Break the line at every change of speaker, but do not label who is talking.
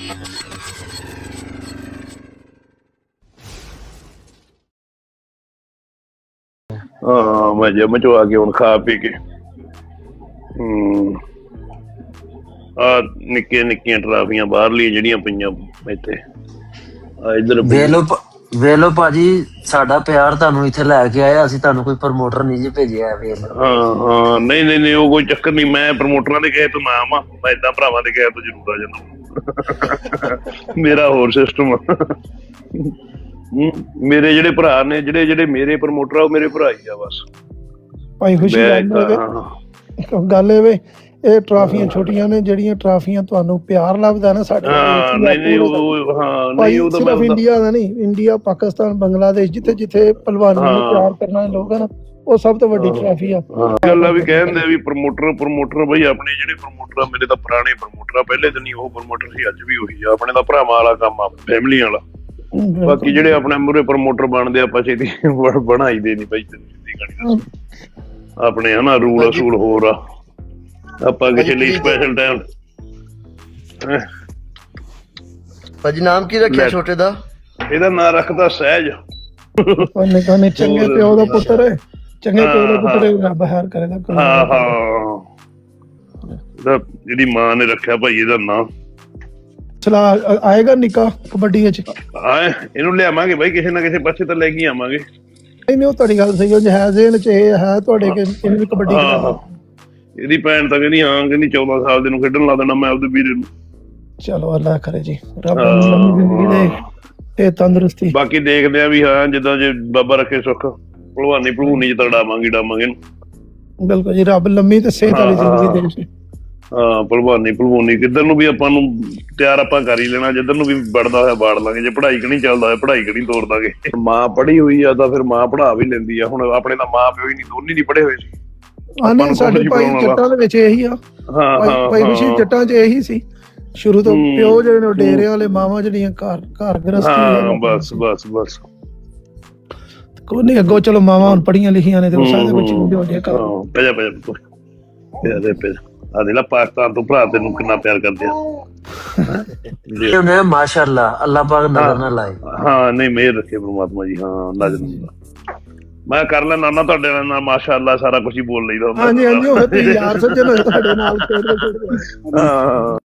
ਹਾਂ ਮੈਂ ਜਿਮ ਚੋਂ ਆ ਕੇ ਹੁਣ ਖਾ ਪੀ ਕੇ ਆ ਨਿੱਕੀਆਂ ਨਿੱਕੀਆਂ ਟਰਾਫੀਆਂ ਬਾਹਰਲੀਆਂ ਜਿਹੜੀਆਂ ਪਈਆਂ ਇੱਥੇ ਆ ਇੱਧਰ
ਵੇਲੋ ਭਾਜੀ, ਸਾਡਾ ਪਿਆਰ ਤੁਹਾਨੂੰ ਇੱਥੇ ਲੈ ਕੇ ਆਇਆ, ਅਸੀਂ ਤੁਹਾਨੂੰ ਕੋਈ ਪ੍ਰਮੋਟਰ ਨਹੀਂ ਜੀ ਭੇਜਿਆ।
ਹਾਂ ਨਹੀਂ ਉਹ ਕੋਈ ਚੱਕਰ ਨਹੀਂ, ਮੈਂ ਪ੍ਰਮੋਟਰਾਂ ਦੇ ਕਹੇ ਤੋਂ ਨਾ ਆਵਾਂ, ਮੈਂ ਏਦਾਂ ਭਰਾਵਾਂ ਦੇ ਕਹੇ ਤੋਂ ਜ਼ਰੂਰ ਆ ਜਾਂਦਾ। ਮੇਰਾ ਹੋਰ ਸਿਸਟਮ ਆ। ਮੇਰੇ ਜਿਹੜੇ ਭਰਾ ਨੇ, ਜਿਹੜੇ ਮੇਰੇ ਪ੍ਰਮੋਟਰ ਆ, ਉਹ ਮੇਰੇ ਭਰਾ ਹੀ ਆ ਬਸ।
ਭਾਈ ਖੁਸ਼ੀ ਗੱਲ ਇਹ ਵੇ, ਇਹ ਟਰਾਫੀਆਂ ਛੋਟੀਆਂ ਨੇ, ਜਿਹੜੀਆਂ ਟਰਾਫੀਆਂ ਤੁਹਾਨੂੰ ਪਿਆਰ ਲੱਭਦਾ ਨਾ ਸਾਡੇ ਸਿਰਫ ਇੰਡੀਆ ਦਾ ਨਹੀਂ, ਇੰਡੀਆ, ਪਾਕਿਸਤਾਨ, ਬੰਗਲਾਦੇਸ਼, ਜਿੱਥੇ ਜਿੱਥੇ ਪਹਿਲਵਾਨੀ ਨੂੰ ਪਿਆਰ ਕਰਨ ਵਾਲੇ ਲੋਕ ਆ ਨਾ, ਉਹ ਸਭ ਤੋਂ ਵੱਡੀ ਟਰਾਫੀ ਆ।
ਗੱਲਾਂ ਵੀ ਕਹਿੰਦੇ ਵੀ ਪ੍ਰਮੋਟਰ ਬਈ ਆਪਣੇ ਜਿਹੜੇ ਪ੍ਰਮੋਟਰ ਆ, ਮੇਰੇ ਤਾਂ ਪੁਰਾਣੇ ਪ੍ਰਮੋਟਰ ਆ, ਪਹਿਲੇ ਦਿਨ ਹੀ ਉਹ ਪ੍ਰਮੋਟਰ ਸੀ, ਅੱਜ ਵੀ ਉਹੀ ਆ। ਆਪਣੇ ਤਾਂ ਭਰਾਵਾਂ ਵਾਲਾ ਕੰਮ ਆ, ਫੈਮਲੀ ਵਾਲਾ। ਬਾਕੀ ਜਿਹੜੇ ਆਪਣੇ ਮੂਹਰੇ ਪ੍ਰਮੋਟਰ ਬਣਦੇ, ਆਪਾਂ ਛੇਤੀ ਬਣਾਈ ਦੇ ਨੀ ਬਾਈ, ਆਪਣੇ ਹਨਾ ਰੂਲ ਅਸੂਲ ਹੋਰ ਆ। ਆਪਾਂ ਕਿਸੇ ਲਈ ਸਪੈਸ਼ਲ ਟਾਈਮ।
ਭਾਜੀ ਨਾਮ ਕੀ ਰੱਖਿਆ ਛੋਟੇ ਦਾ?
ਇਹਦਾ ਨਾਂ ਰੱਖਦਾ ਸਹਿਜ।
ਚੰਗੇ ਪਿਓ ਦਾ ਪੁੱਤਰ ਹੈ, ਚੰਗੇ ਪਿਓ ਦਾ ਪੁੱਤਰ ਰੱਬ ਹੈਰ ਕਰੇਗਾ।
ਹਾਂ ਜਿਹੜੀ ਮਾਂ ਨੇ ਰੱਖਿਆ ਭਾਈ ਇਹਦਾ ਨਾਂ।
ਚਲਾ ਆਏਗਾ ਨਿੱਕਾ ਕਬੱਡੀ ਵਿੱਚ?
ਇਹਨੂੰ ਲਿਆਵਾਂਗੇ ਬਾਈ, ਕਿਸੇ ਨਾ ਕਿਸੇ ਪਾਸੇ ਤਾਂ ਲੈ ਕੇ ਆਵਾਂਗੇ।
ਨਹੀਂ ਉਹ ਤੁਹਾਡੀ ਗੱਲ ਸਹੀ ਹੈ, ਜ਼ੇਨ ਚ ਇਹ ਹੈ ਤੁਹਾਡੇ ਇਹਨੂੰ ਵੀ ਕਬੱਡੀ।
ਇਹਦੀ ਭੈਣ ਤਾਂ ਕਹਿੰਦੀ ਹਾਂ, ਕਹਿੰਦੀ 14 ਸਾਲ ਦੇ ਨੂੰ ਖੇਡਣ ਲਾ ਦੇਣਾ ਮੈਂ ਆਪਦੇ ਵੀਰੇ ਨੂੰ।
ਚਲੋ ਅੱਲਾ ਕਰੇ ਜੀ, ਰੱਬ ਨੂੰ ਲੰਮੀ ਜ਼ਿੰਦਗੀ ਦੇ ਤੇ ਤੰਦਰੁਸਤੀ।
ਬਾਕੀ ਦੇਖਦੇ ਆ ਵੀ ਹਾਂ, ਜਿੱਦਾਂ ਜੇ ਬਾਬਾ ਰੱਖੇ ਸੁੱਖ, ਭਲਵਾਨੀ ਚ ਤਾਂ ਡਾਵਾਂਗੇ
ਬਿਲਕੁਲ ਜੀ, ਰੱਬ ਲੰਮੀ ਤੇ ਸਿਹਤ ਵਾਲੀ ਜ਼ਿੰਦਗੀ ਦੇ।
ਹਾਂ ਭਲਵਾਨੀ ਕਿੱਧਰ ਨੂੰ ਵੀ ਆਪਾਂ ਨੂੰ ਤਿਆਰ ਆਪਾਂ ਕਰ ਹੀ ਲੈਣਾ, ਜਿੱਧਰ ਨੂੰ ਵੀ ਵੜਦਾ ਹੋਇਆ ਵਾੜ ਲਾਂਗੇ। ਜੇ ਪੜ੍ਹਾਈ ਕਣੀ ਚੱਲਦਾ ਹੋਇਆ ਪੜ੍ਹਾਈ ਕਣੀ ਤੋੜ ਦਾਂਗੇ। ਮਾਂ ਪੜ੍ਹੀ ਹੋਈ ਆ ਤਾਂ ਫਿਰ ਮਾਂ ਪੜ੍ਹਾ ਵੀ ਲੈਂਦੀ ਆ। ਹੁਣ ਆਪਣੇ ਤਾਂ ਮਾਂ ਪਿਓ ਹੀ ਨੀ, ਦੋਨੇ ਨੀ ਪੜ੍ਹੇ ਹੋਏ ਸੀ।
ਸਾਡੇ ਭਾਈ ਜੱਟਾਂ ਦੇ ਵਿੱਚ ਇਹੀ ਆ, ਭਾਈ ਖੁਸ਼ੀ ਜੱਟਾਂ ਚ ਇਹੀ ਸੀ ਸ਼ੁਰੂ ਤੋਂ। ਪਿਓ ਜਿਹੜੇ ਨੇ ਡੇਰਿਆਂ ਵਾਲੇ, ਮਾਵਾਂ ਜਿਹੜੀਆਂ ਘਰ ਗ੍ਰਸਤੀ।
ਬਸ
ਕੋਈ ਨੀ, ਅੱਗੋਂ ਚਲੋ ਮਾਵਾਂ ਹੁਣ ਪੜ੍ਹੀਆਂ ਲਿਖੀਆਂ ਨੇ ਤੇ ਉਹ ਸਾਰੇ ਬੱਚੇ ਹੁੰਦੇ
ਆ ਦੇ ਲਾ ਪਾਕਿਸਤਾਨ ਤੋਂ ਭਰਾ ਤੈਨੂੰ ਕਿੰਨਾ ਪਿਆਰ ਕਰਦੇ ਆ।
ਮਾਸ਼ਾਅੱਲਾ, ਅੱਲਾਹ ਪਾਕ ਨਜ਼ਰ ਨਾ ਲਾਏ।
ਹਾਂ ਨਹੀਂ, ਮਿਹਰ ਰੱਖੇ ਪ੍ਰਮਾਤਮਾ ਜੀ। ਹਾਂ ਨਜ਼ਰ ਮੈਂ ਕਰ ਲੈ ਨਾਨਾ ਤੁਹਾਡੇ ਨਾਲ, ਮਾਸ਼ਾਅੱਲਾ ਸਾਰਾ ਕੁਛ ਹੀ ਬੋਲ ਲਈਦਾ।
ਹਾਂਜੀ ਉਹ ਯਾਰ ਸੱਜਣ ਤੁਹਾਡੇ ਨਾਲ।